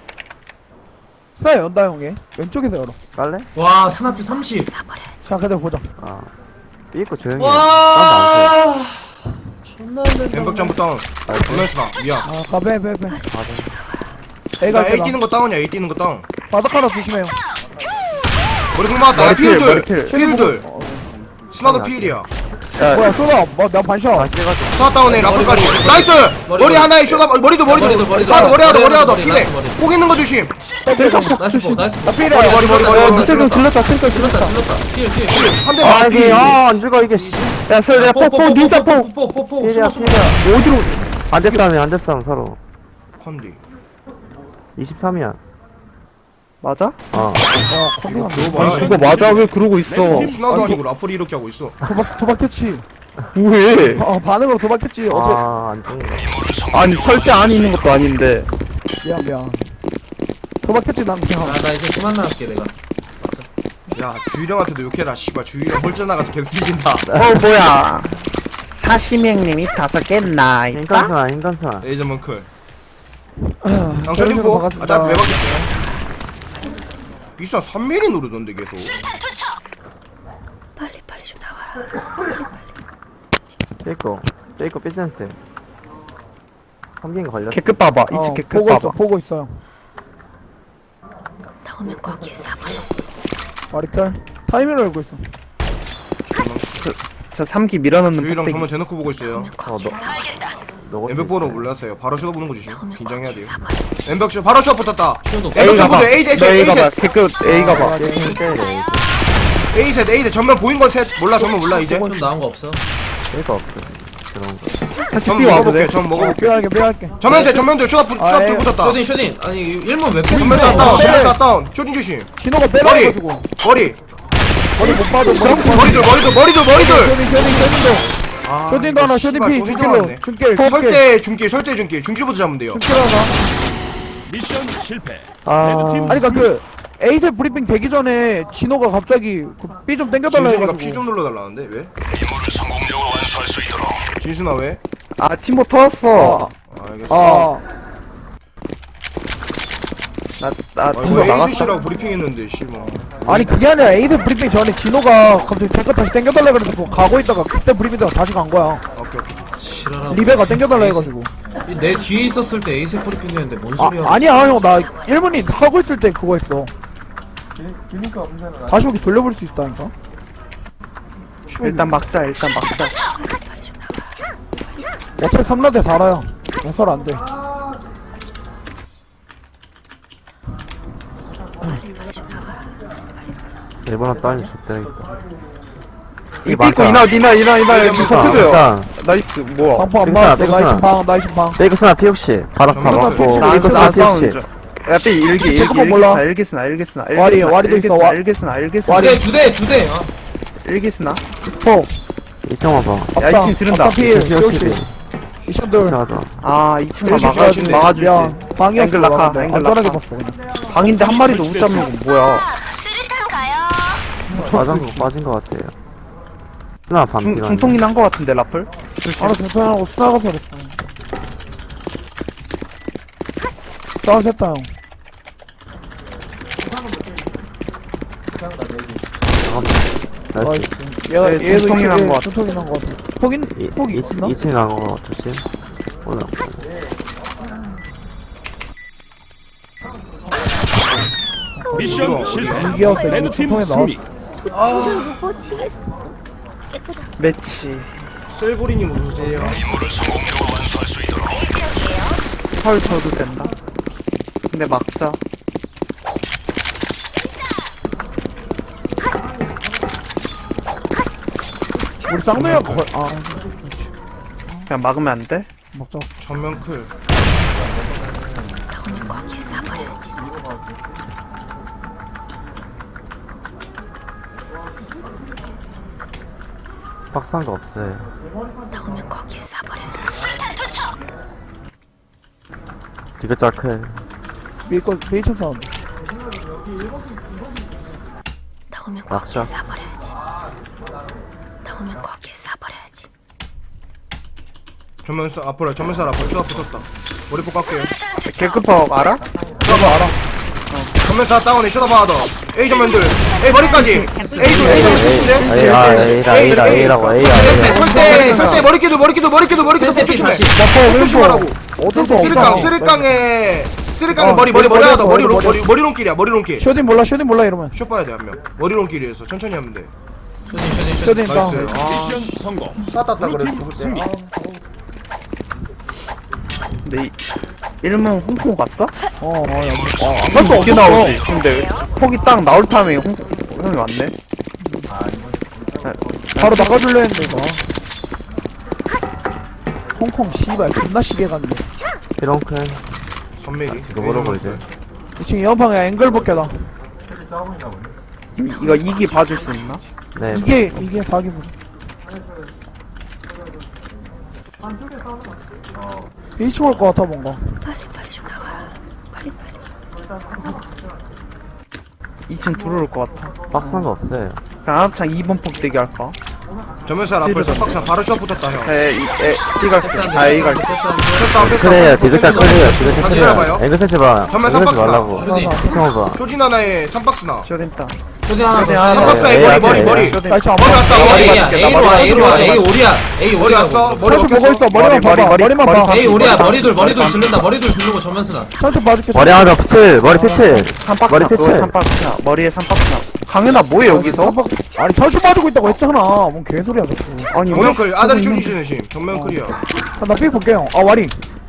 Speaker 3: 스나 연다 형이 왼쪽에서 열어.
Speaker 6: 깔래?
Speaker 5: 와 스나피 삼십.
Speaker 4: 쏴버려야지.
Speaker 3: 자 그대로 보자.
Speaker 6: 아. 삐있고 조용히 해. 딴데 안
Speaker 5: 와 존나 안 된다.
Speaker 7: 엠벽 점프 다운. 정면스 나. 미안.
Speaker 3: 아 가베 베베.
Speaker 7: 나
Speaker 3: A가
Speaker 7: A
Speaker 3: 있다.
Speaker 7: 뛰는 거 다운이야. A 뛰는 거 다운.
Speaker 3: 바닥 하나 조심해요.
Speaker 7: 머리 공 맞았다. 야,
Speaker 1: 머리필,
Speaker 7: 피일들.
Speaker 1: 머리필.
Speaker 7: 피일들.
Speaker 3: 어,
Speaker 7: 스나도 피일이야.
Speaker 1: 야,
Speaker 3: 뭐야 쏘다. 뭐나 반샷.
Speaker 6: 다시 해가지고.
Speaker 7: 스나 다운에 라플까지. 나이스.
Speaker 5: 머리,
Speaker 7: 머리
Speaker 5: 머리.
Speaker 7: 하나에 쇼다. 머리도 머리도.
Speaker 5: 머리도, 머리도.
Speaker 7: 하나 머리 하나 머리 하나 더.
Speaker 5: 머리,
Speaker 7: 피네.
Speaker 5: 머리.
Speaker 7: 꼭 있는 거 조심.
Speaker 5: 나이스 보 나이스
Speaker 3: 나
Speaker 5: 보.
Speaker 3: 필이야.
Speaker 7: 머리, 머리, 머리, 머리,
Speaker 3: 야
Speaker 7: 머리.
Speaker 3: 미셀 좀 질렀다. 슬कर
Speaker 5: 질렀다
Speaker 3: 질렀다.
Speaker 5: 질렀다. 피해 피해 피해.
Speaker 7: 한 대
Speaker 6: 아
Speaker 7: 맞.
Speaker 6: 이게 아안 죽어 이게. 씨.
Speaker 1: 야, 설 내가 폭폭 닌자 폭.
Speaker 5: 포포포포
Speaker 6: 필이야
Speaker 5: 숨어 숨어.
Speaker 6: 필이야. 어디로? 안돼 싸움이 안돼 싸움 서로.
Speaker 7: 컨디.
Speaker 6: 이십삼이야.
Speaker 1: 맞아?
Speaker 6: 어.
Speaker 3: 어 컨디가
Speaker 1: 아니 그거 맞아 왜 그러고 있어?
Speaker 7: 스나도 아니고 라플이 이렇게 하고 있어.
Speaker 3: 도박 도박했지.
Speaker 1: 왜?
Speaker 3: 어 반응으로 도박했지. 어제
Speaker 6: 아안 죽어.
Speaker 1: 아니 설대 안에 있는 것도 아닌데.
Speaker 3: 미안 미안. 도박했지 난 그냥.
Speaker 5: 나 이제 그만 나갈게 내가.
Speaker 7: 야 주일형한테도 욕해라. 씨발 주일형 홀전 나가서 계속 뒤진다.
Speaker 1: 어 뭐야? 사시명님이 다섯 개 나있다.
Speaker 6: 인간사 인간사.
Speaker 7: 에이저먼 클.
Speaker 3: 아,
Speaker 7: 낭철인포. 아
Speaker 3: 반갑습니다.
Speaker 7: 짧게 왜 바뀌었어? 비싼 삼 밀리 누르던데 계속.
Speaker 4: 빨리 빨리 좀 나와라.
Speaker 6: 삐있고 삐있고 삐센스. 삼긴 걸렸어.
Speaker 1: 개급 봐봐.
Speaker 3: 어,
Speaker 1: 이집 개급
Speaker 3: 보고 있어
Speaker 1: 봐봐.
Speaker 3: 보고 있어요.
Speaker 4: 나오면 거기에 쏴버려야지.
Speaker 3: 마리칼 타이밍을 알고 있어.
Speaker 1: 저 삼기 밀어넣는
Speaker 7: 주일형
Speaker 1: 폭대기.
Speaker 7: 정말 대놓고 보고 있어요.
Speaker 4: 나오면 거기에 쏴버려야지.
Speaker 6: 너가
Speaker 7: 엠벽 보러 몰랐어요. 바로 슛 보는 거 조심.
Speaker 4: 나오면
Speaker 7: 긴장해야
Speaker 4: 거기에
Speaker 7: 돼요.
Speaker 4: 쏴버려야지.
Speaker 7: 엠벽 슛 바로 슛 붙었다.
Speaker 5: 슛도
Speaker 7: 엠벽
Speaker 1: A 가봐.
Speaker 7: 점프 A 셋
Speaker 1: 너 A
Speaker 7: A
Speaker 1: 가봐.
Speaker 7: 셋
Speaker 1: 개급 A 가봐.
Speaker 6: 게임 때려.
Speaker 7: A 셋 A 셋 전면 보인 건 셋. 몰라 전면 몰라 이제.
Speaker 5: 좀 나온 거 없어?
Speaker 6: 삐가 없어. 그런 거.
Speaker 1: 다시
Speaker 7: 전
Speaker 1: B 와도
Speaker 7: 먹어볼게.
Speaker 1: 돼.
Speaker 7: 전 먹어볼게.
Speaker 3: 빼할게 빼할게.
Speaker 7: 전면 돼 전면 돼. 슛 앞, 슛
Speaker 3: 아,
Speaker 7: 앞
Speaker 3: 에이.
Speaker 7: 붙었다.
Speaker 5: 쇼딘 쇼딘. 아니 일문 왜
Speaker 7: 전면 다 다운. 전면 다 다운. 쇼딘 조심.
Speaker 3: 진호가 빼라
Speaker 7: 머리
Speaker 3: 해가지고
Speaker 7: 머리
Speaker 3: 머리 못 봐도 머리 못
Speaker 7: 머리들 머리들 머리들 머리들.
Speaker 3: 쇼딩 쇼딩 쇼딩도
Speaker 7: 아,
Speaker 3: 쇼딩도 하나 쇼딩
Speaker 7: 씨발,
Speaker 3: 피
Speaker 7: 또
Speaker 3: 중길로
Speaker 7: 휘둘렀네.
Speaker 3: 중길 중길
Speaker 7: 설대 중길 설대 중길 중길부터 잡으면 돼요.
Speaker 3: 중길 하나.
Speaker 8: 미션 실패.
Speaker 6: 아.
Speaker 8: 레드팀
Speaker 3: 아니 그니까 그 에이셋 브리핑 되기 전에 진호가 갑자기 그 B 좀 땡겨달라
Speaker 7: 진순이가 피
Speaker 3: 해가지고
Speaker 7: 좀 눌러달라는데 왜?
Speaker 2: 임무를 성공적으로 완수할 수 있도록.
Speaker 7: 진순아 왜?
Speaker 1: 아 팀보 터졌어.
Speaker 7: 알겠어.
Speaker 3: 아
Speaker 1: 나나
Speaker 7: 아,
Speaker 1: 팀보
Speaker 7: 이거
Speaker 1: 나갔다.
Speaker 7: 에이디씨라고 브리핑했는데 씨발.
Speaker 3: 아니 그게 아니라 에이셋 브리핑 전에 진호가 갑자기 탱크 다시 땡겨달라 그래서 그거 가고 있다가 그때 브리핑 때가 다시 간 거야.
Speaker 7: 오케이 오케이.
Speaker 5: 지랄하고.
Speaker 3: 리베가 땡겨달라 해가지고.
Speaker 5: 내 뒤에 있었을 때 에이스 프리핑이었는데 뭔
Speaker 3: 아
Speaker 5: 소리야?
Speaker 3: 아니야 형 나 일 분이 하고 있을 때 그거 했어. 다시 오기 돌려볼 수 있다니까.
Speaker 1: 일단 막자. 일단 막자.
Speaker 4: 빨리 좀 나와라.
Speaker 3: 어차피 삼 라대 달아요. 해설 안 돼.
Speaker 4: 빨리 빨리 좀 나와라.
Speaker 6: 일본어 따윈 좋대야겠다.
Speaker 1: 이 삐고 이나 이나 이나 이나
Speaker 7: 이게
Speaker 1: 이거
Speaker 7: 뭐야?
Speaker 1: 터트려.
Speaker 6: 일단
Speaker 1: 나이스 뭐야?
Speaker 3: 방포 안
Speaker 6: 괜찮아,
Speaker 3: 맞았어. 나이스
Speaker 6: 괜찮아.
Speaker 3: 방 나이스 방.
Speaker 6: 삐그 스나 피 혹시 바로
Speaker 7: 정말
Speaker 6: 바로
Speaker 7: 좋다.
Speaker 6: 갖고
Speaker 1: 나
Speaker 6: 삐그 스나
Speaker 1: 나
Speaker 6: 피
Speaker 1: 싸우는
Speaker 6: 혹시.
Speaker 1: 중. 야, 삐 일기 일기
Speaker 3: 잠깐만 몰라.
Speaker 1: 일기스나 일기스나
Speaker 3: 와리, 와리도 있어, 와-
Speaker 1: 일기스나 일기스나
Speaker 3: 와리.
Speaker 5: 두대 두 대. 아.
Speaker 1: 일기스나.
Speaker 3: 포.
Speaker 6: 이층 와봐.
Speaker 1: 야, 이 팀 지른다.
Speaker 3: 없다 필.
Speaker 6: 이층
Speaker 3: 쇼시.
Speaker 6: 혹시.
Speaker 3: 미션들.
Speaker 6: 이층 하자.
Speaker 1: 아 이 친구가
Speaker 3: 일시
Speaker 1: 막아주지
Speaker 3: 미안.
Speaker 1: 막아주지.
Speaker 3: 방이었어.
Speaker 1: 앵글 낙하,
Speaker 3: 막았는데.
Speaker 1: 앵글
Speaker 3: 안전하게
Speaker 1: 낙하.
Speaker 3: 봤어 그냥.
Speaker 1: 방인데 한 마리도 못 잡는 건 뭐야?
Speaker 4: 수류탄 가요.
Speaker 6: 빠진 거 빠진 거 같아요. 스나 반.
Speaker 1: 중 중통이 난 거 같은데 라플?
Speaker 3: 알아 괜찮하고 스나가서 그랬어. 싸우셨다 형.
Speaker 6: 나이스.
Speaker 3: 나이스. 얘가
Speaker 1: 네,
Speaker 3: 얘도
Speaker 1: 중통이 난거 같아.
Speaker 3: 중통이 난거 같아. 폭인
Speaker 6: 이-
Speaker 3: 폭이
Speaker 6: 이층
Speaker 3: 있나?
Speaker 6: 이층 나거 조심. 오늘.
Speaker 8: 미션 실패.
Speaker 3: 이기었어. 이거
Speaker 8: 레드팀
Speaker 3: 중통에
Speaker 8: 승리.
Speaker 3: 나왔어.
Speaker 4: 버티겠어. 깨끗하.
Speaker 1: 매치.
Speaker 7: 셀보리님 오세요.
Speaker 2: 임무를 성공적으로 완수할 수 있도록.
Speaker 4: A 지역이에요.
Speaker 1: 설 줘도 된다. 근데 막자.
Speaker 3: 우리 쌍둥이가 거의 아
Speaker 1: 그냥 막으면 안 돼?
Speaker 3: 먹자.
Speaker 7: 전면 클.
Speaker 4: 나오면 거기에 쏴버려야지.
Speaker 6: 박스한 거 없어요.
Speaker 4: 나오면 거기에 쏴버려야지. 수류탄 투척.
Speaker 6: 디귿 자크.
Speaker 3: 메이커 메이션 사운드.
Speaker 4: 나오면
Speaker 1: 막자.
Speaker 4: 거기에 쏴버려야지. 나오면 거기에 싸버려야지.
Speaker 7: 전면 쏴 앞으로 전면 쏴 앞으로 쏘아 붙었다. 머리 뽑 깎게요.
Speaker 1: 개급법 알아?
Speaker 7: 쏘아봐 알아. 전면 쏴 다운에 쏘아봐 하더. A 전면들. A 머리까지. A 둘 A 둘
Speaker 6: A, 아, A라, A라, A라고, A야, A야.
Speaker 7: 설대 설대 머리끼도 머리끼도 머리끼도 머리끼도
Speaker 5: 센세
Speaker 7: 폭 조심해.
Speaker 5: 피
Speaker 7: 폭 조심하라고.
Speaker 3: 어쩔 수
Speaker 7: 쓰리깡
Speaker 3: 없어.
Speaker 7: 쓰리깡에 쓰리깡에
Speaker 3: 어,
Speaker 7: 머리 머리 머리
Speaker 3: 머리,
Speaker 7: 하다 머리
Speaker 3: 머리,
Speaker 7: 머리 머리론길이야 머리론길.
Speaker 3: 쇼딘 몰라 쇼딘 몰라 이러면.
Speaker 7: 쇼 봐야 돼 한 명. 머리론길이어서 천천히 하면 돼.
Speaker 5: 쇼딘 쇼딘
Speaker 3: 쇼딘
Speaker 5: 쇼딘
Speaker 3: 다운.
Speaker 7: 나이스. 아
Speaker 8: 미션 성공.
Speaker 7: 쐈다 그래 죽을
Speaker 8: 승리.
Speaker 7: 때.
Speaker 1: 근데 이 일문 홍콩 갔어?
Speaker 3: 어, 어, 야, 뭐, 아, 안
Speaker 1: 이게
Speaker 3: 갔어, 없었어.
Speaker 1: 나오지. 근데 폭이 딱 나올 타임에 홍콩 형이 왔네.
Speaker 3: 바로 나가줄려 했는데, 이거. 홍콩, 씨발, 존나 시계 갔네.
Speaker 6: 피롱큰.
Speaker 7: 선밀이.
Speaker 6: 지금 모르고 이제.
Speaker 3: 이 층 연방에 앵글 벗겨다.
Speaker 1: 이- 이거 이기 봐줄 수 있나?
Speaker 6: 네.
Speaker 3: 이게, 이게 사기분. 일 층 올 것 같아, 뭔가.
Speaker 4: 빨리 빨리 좀 나와라. 빨리 빨리.
Speaker 1: 이 층 들어올 것 같아.
Speaker 6: 박스한 거 없어요.
Speaker 1: 그냥 합창 이 번 폭대기 할까?
Speaker 7: 전면 쏴 앞을 석박사 바로 쇼 붙었다 형.
Speaker 1: 에, 이, 에, 이 갈게. 아, 이 갈게.
Speaker 7: 쇼 앞에
Speaker 6: 그래요, 디귿자 끌려요, 디귿자
Speaker 7: 다
Speaker 6: 끌려요.
Speaker 7: 기다려봐요.
Speaker 6: 앵글 세지 마.
Speaker 7: 전면
Speaker 6: 앵글 세지
Speaker 7: 삼박스나.
Speaker 6: 말라고.
Speaker 5: 쇼딘
Speaker 6: 시청해봐.
Speaker 7: 쇼진 하나에 삼박스나.
Speaker 1: 쇼딘다.
Speaker 5: 쇼딘 하나
Speaker 1: 쇼딘
Speaker 5: 더
Speaker 1: 하나.
Speaker 7: 삼박스나
Speaker 6: 에이,
Speaker 7: 머리
Speaker 6: 에이,
Speaker 7: 머리
Speaker 6: 에이,
Speaker 7: 머리.
Speaker 6: 에이.
Speaker 3: 나 이층 안
Speaker 7: 머리
Speaker 3: 봐.
Speaker 7: 왔다
Speaker 5: A
Speaker 7: 머리.
Speaker 5: A야 A로 와 A로 와 A 오리야 A
Speaker 7: 머리 왔어. 머리
Speaker 3: 천천히 보고 있어,
Speaker 7: 먹겠어.
Speaker 3: 머리만
Speaker 1: 머리,
Speaker 3: 봐봐.
Speaker 1: 머리,
Speaker 3: 머리만
Speaker 1: 머리,
Speaker 3: 봐.
Speaker 1: 머리.
Speaker 5: A 오리야
Speaker 1: 머리
Speaker 5: 머리돌
Speaker 1: 머리
Speaker 5: 머리돌
Speaker 1: 머리
Speaker 5: 지른다 머리돌 지르고 전면 쓰나
Speaker 3: 천천히 봐줄게.
Speaker 6: 머리 하나 더 피칠, 머리 피칠.
Speaker 1: 한 박스
Speaker 6: 머리
Speaker 1: 나,
Speaker 6: 피칠.
Speaker 1: 한 박스나. 머리에 삼 박스나. 강현아, 뭐해, 여기서?
Speaker 3: 아니, 천천히 봐주고 있다고 했잖아. 뭔 개소리야, 너.
Speaker 1: 아니,
Speaker 7: 정면 클 아다리
Speaker 1: 있는-
Speaker 7: 쇼진 심. 정면 클이야.
Speaker 3: 아, 나삐 볼게요. 아, 와리.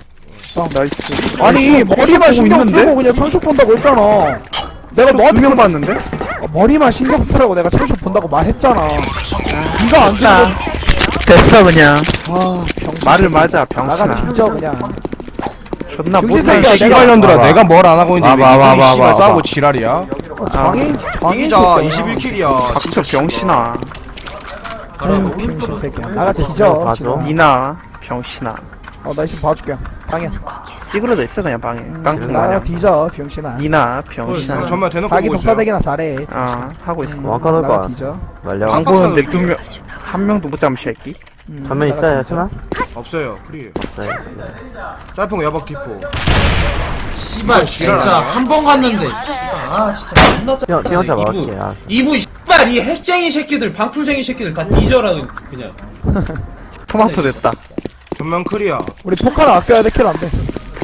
Speaker 1: 나이스.
Speaker 3: 아니, 머리만
Speaker 1: 보고
Speaker 3: 신경
Speaker 1: 있는데?
Speaker 3: 쓰고 그냥 천식 본다고 했잖아. 내가
Speaker 1: 너
Speaker 3: 너한테
Speaker 1: 두명 봤는데?
Speaker 3: 어, 머리만 신경 쓰라고 내가 천식 본다고 말했잖아. 네가 안
Speaker 1: 자,
Speaker 3: 듣고.
Speaker 1: 됐어, 그냥.
Speaker 3: 아, 병.
Speaker 1: 말을 맞아,
Speaker 3: 나가
Speaker 1: 병신아.
Speaker 3: 진짜 그냥.
Speaker 1: 존나
Speaker 3: 정신
Speaker 1: 못해.
Speaker 3: 차려,
Speaker 7: 씨발년들아
Speaker 6: 봐봐.
Speaker 7: 내가 뭘 안 하고 있는데
Speaker 6: 봐봐,
Speaker 7: 왜
Speaker 6: 봐봐,
Speaker 7: 니들이 씨발
Speaker 6: 봐봐.
Speaker 7: 싸우고 지랄이야?
Speaker 3: 어, 장인, 장인.
Speaker 7: 이기자
Speaker 3: 새끼야.
Speaker 7: 이십일 킬이야.
Speaker 1: 닥쳐, 병신아.
Speaker 3: 아유, 병신 새끼야. 나가 뒤져.
Speaker 6: 맞아.
Speaker 3: 지금.
Speaker 1: 니나, 병신아.
Speaker 3: 어, 나 지금 봐줄게. 방해.
Speaker 4: 나오면 거기에 싸.
Speaker 1: 찌그러져 있어, 그냥 방에. 깡통
Speaker 3: 나가
Speaker 1: 마냥.
Speaker 3: 뒤져, 병신아.
Speaker 1: 니나, 병신아.
Speaker 7: 정말 대놓고
Speaker 3: 자기
Speaker 7: 보고 있어요.
Speaker 3: 독사대기나 잘해.
Speaker 1: 아, 하고 있어.
Speaker 6: 왕카 넣을
Speaker 3: 나가
Speaker 6: 거야.
Speaker 3: 뒤져.
Speaker 6: 말려.
Speaker 7: 방-
Speaker 1: 안 보는데 두 명, 한 명도 못 잡은 새끼.
Speaker 3: 음,
Speaker 6: 전면
Speaker 3: 나가
Speaker 6: 있어요,
Speaker 3: 뒤져.
Speaker 6: 천아?
Speaker 7: 없어요. 프리.
Speaker 6: 네.
Speaker 7: 짤풍 야박 디포.
Speaker 5: 씨발
Speaker 7: 지랄
Speaker 5: 진짜
Speaker 7: 아니야?
Speaker 5: 한 번 갔는데 아 진짜 존나
Speaker 6: 뛰어, 뛰어자
Speaker 5: 이부
Speaker 6: 막을게. 아.
Speaker 5: 이부 씨발 이 핵쟁이 새끼들 방풀쟁이 새끼들 다 뒤져라 그냥
Speaker 1: 토마토 됐다.
Speaker 7: 전면 클이야.
Speaker 3: 우리 포카를 아껴야 돼, 킬 안 돼.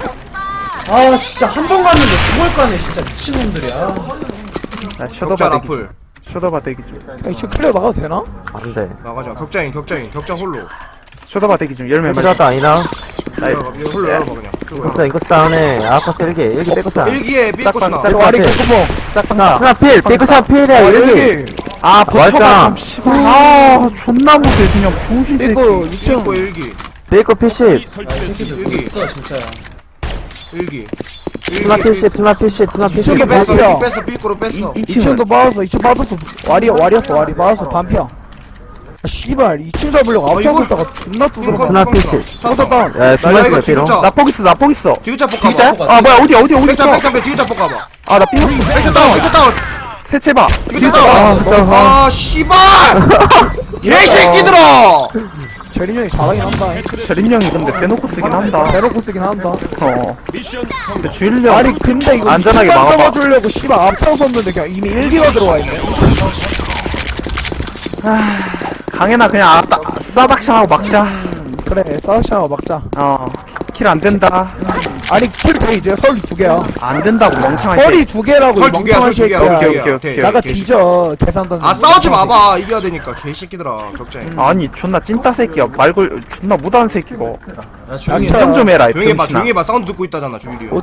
Speaker 5: 아 진짜 한 번 갔는데 그걸 까네 진짜 미친놈들이야
Speaker 1: 나
Speaker 7: 격자
Speaker 1: 쇼더바 대기 중.
Speaker 7: 라플.
Speaker 1: 쇼더바 대기 중.
Speaker 3: 야, 이층 클리어 나가도 되나?
Speaker 6: 안 돼.
Speaker 7: 나가자. 격자인 격자인 격자 홀로.
Speaker 1: 쇼더바 대기 중. 열매
Speaker 6: 앵글
Speaker 1: 맞아.
Speaker 6: 다 아니나?
Speaker 1: 나이-
Speaker 7: 열어봐, 이거 홀로 열어봐 그냥.
Speaker 6: 인코스, 인코스 다운에. 아코스 일기, 일기 빼고사.
Speaker 7: 일기에 삐꾸스나.
Speaker 1: 짝-
Speaker 3: 이거 와리
Speaker 6: 앞에.
Speaker 3: 개코봉.
Speaker 1: 짝방가.
Speaker 6: 스나 필, 빼고사 필이야, 일기.
Speaker 1: 아,
Speaker 6: 맞다.
Speaker 1: 버터가 좀 씨발. 아, 존나 못해. 그냥 병신 새끼.
Speaker 3: 이거 이 층.
Speaker 7: 삐꾸 일기.
Speaker 6: 빼고 피십.
Speaker 8: 설치됐습니다.
Speaker 7: 일기.
Speaker 5: 있어 진짜야
Speaker 7: 일기.
Speaker 6: 스나 피십, 스나 피십, 스나 피십.
Speaker 7: 일기 뺐어.
Speaker 3: 반피야.
Speaker 7: 일기 뺐어. 삐꾸로 뺐어.
Speaker 1: 이
Speaker 3: 이 층도
Speaker 1: 층은
Speaker 3: 맞았어. 이 층 맞았어. 와리, 와리였어, 와리. 맞았어. 반피야. 아, 씨발. 이 층 잡으려고
Speaker 7: 어,
Speaker 3: 앞장서
Speaker 7: 이걸-
Speaker 3: 있다가 존나 두드려.
Speaker 6: 스나 피십.
Speaker 7: 쏟아
Speaker 3: 다운.
Speaker 6: 야,
Speaker 7: 나
Speaker 6: 스나
Speaker 7: 이거
Speaker 6: 피십, 피롱.
Speaker 7: 진짜.
Speaker 1: 나폭 있어, 나폭 있어.
Speaker 7: 디귿자
Speaker 1: 디귿자?
Speaker 7: 볶아봐.
Speaker 1: 아, 뭐야, 어디, 어디, 어디
Speaker 7: 백장
Speaker 1: 있어?
Speaker 7: 백장 백 디귿자 볶아봐.
Speaker 1: 아, 나 삐졌어.
Speaker 7: 백장 다운. 백장 다운.
Speaker 1: 세체 봐.
Speaker 7: 디귿자
Speaker 1: 아,
Speaker 7: 다운.
Speaker 1: 진짜.
Speaker 7: 아 씨발. 개새끼들아.
Speaker 3: 재린 형이 잘하긴 한다.
Speaker 1: 재린 형이 근데 대놓고 쓰긴 한다.
Speaker 3: 대놓고 쓰긴 한다.
Speaker 1: 어.
Speaker 8: 미션 성공.
Speaker 1: 근데 주일령.
Speaker 3: 아니, 근데 이거
Speaker 1: 안전하게
Speaker 3: 이층만
Speaker 1: 막아봐.
Speaker 3: 잡아주려고 씨발 앞장섰는데 그냥 이미 일기가 들어와 있네.
Speaker 1: 강현아, 그냥 아따, 싸닥샹하고 막자.
Speaker 3: 음, 그래, 싸우샤워 막자.
Speaker 1: 어. 킬 안 된다.
Speaker 3: 아니, 킬돼 이제 설이 두 개야.
Speaker 1: 안 된다고, 멍청한
Speaker 3: 설이 두 개라고, 이
Speaker 7: 설 두 개야.
Speaker 3: 멍청한
Speaker 7: 설 두 개야.
Speaker 3: 새끼야.
Speaker 1: 오케이,
Speaker 7: 오케이,
Speaker 1: 오케이,
Speaker 7: 오케이.
Speaker 1: 오케이.
Speaker 3: 나가
Speaker 7: 개새끼.
Speaker 3: 뒤져, 계산 던져.
Speaker 7: 아 싸우지 마봐. 이겨야 되니까 개새끼들아. 격자인.
Speaker 1: 아니, 존나 찐따 새끼야. 말걸, 존나 무다한 새끼고.
Speaker 5: 야 조용히
Speaker 3: 양차.
Speaker 1: 인정 좀 해라, 이
Speaker 7: 조용히 해봐.
Speaker 1: 병신아.
Speaker 7: 조용히 해봐. 사운드 듣고 있다잖아. 주일이 형.
Speaker 1: 옷-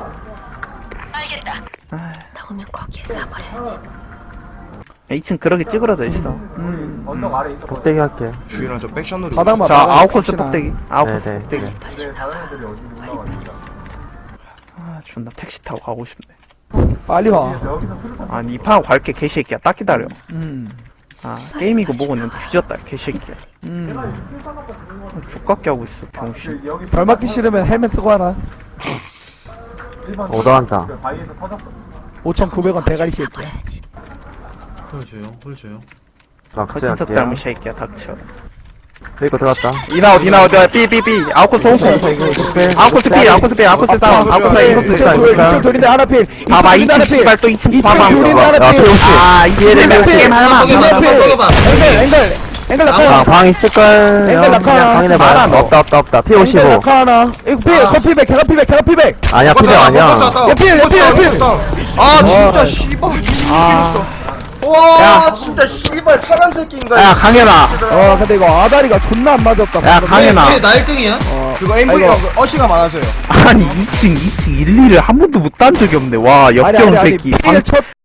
Speaker 4: 나오면 거기에 싸버려야지.
Speaker 1: 이 층 그렇게 찌그러져 있어.
Speaker 3: 음,
Speaker 6: 복대기 할게.
Speaker 7: 주일이랑 저 백션으로.
Speaker 3: 바닥만
Speaker 1: 자,
Speaker 3: 막아,
Speaker 1: 아웃코스
Speaker 3: 혹시나.
Speaker 1: 폭대기. 아웃코스
Speaker 6: 네네.
Speaker 1: 폭대기.
Speaker 4: 빨리 좀 나와라.
Speaker 1: 아, 존나 택시 타고 가고 싶네.
Speaker 3: 빨리 와.
Speaker 1: 아니, 이 판 갈게, 개새끼야. 딱 기다려.
Speaker 3: 음,
Speaker 1: 아, 게임이고 뭐고 는 뒤졌다, 개새끼야.
Speaker 3: 음.
Speaker 1: 족같게 하고 있어, 병신.
Speaker 3: 덜 맞기 싫으면 헬멧 쓰고 하라.
Speaker 6: 오더한다.
Speaker 3: 오천구백 원 대가리
Speaker 4: 거기에
Speaker 3: 새끼야.
Speaker 4: 싸버려야지.
Speaker 5: 홀 조용 홀 조용
Speaker 6: 막스
Speaker 1: 거진터
Speaker 6: 할게요.
Speaker 1: 닮은 새끼야, 닥쳐.
Speaker 6: 이거 들어갔다.
Speaker 1: 이나웃 이나웃 삐삐삐 아웃코스 홍콩 아웃코스 삐 아웃코스 삐 아웃코스 다운 아웃코스 인코스
Speaker 3: 이쪽 돌, 이쪽 돌인데 하나 필.
Speaker 1: 봐봐
Speaker 3: 이쪽
Speaker 1: 이 층
Speaker 3: 돌인데 하나 필.
Speaker 1: 씨발 또 이 층 봐봐
Speaker 3: 이쪽 돌인데 하나
Speaker 6: 야,
Speaker 3: 필.
Speaker 6: 피오씨.
Speaker 1: 아이 층에 게임 하나
Speaker 5: 뻑여봐,
Speaker 3: 하나 필.
Speaker 5: 뻑여봐.
Speaker 3: 앵글 앵글 앵글
Speaker 6: 방,
Speaker 3: 낙하.
Speaker 6: 방 있을걸?
Speaker 3: 앵글 낙하.
Speaker 6: 확인해봐.
Speaker 1: 많아, 너.
Speaker 6: 없다, 없다, 없다. 피
Speaker 3: 앵글
Speaker 6: 오십오.
Speaker 3: 낙하 하나. 이거 필.
Speaker 7: 아.
Speaker 3: 커피백. 개가 필백. 개가 필백.
Speaker 6: 아니야, 피백 아니야.
Speaker 3: 야, 필, 야, 필, 야, 필.
Speaker 7: 아 진짜 씨발 이겼어. 와 진짜 씨발 사람 새끼인가.
Speaker 1: 야 강현아
Speaker 3: 어 근데 이거 아다리가 존나 안 맞았다.
Speaker 1: 야,
Speaker 3: 방금.
Speaker 1: 강현아.
Speaker 5: 왜, 나 일 등이야?
Speaker 7: 그거 엠브이가 어시가 많아서요.
Speaker 1: 아니 이 층 이 층 일, 이를 한 번도 못 딴 적이 없네 와
Speaker 3: 아니,
Speaker 1: 역겨운
Speaker 3: 아니, 아니,
Speaker 1: 새끼
Speaker 3: 필 첫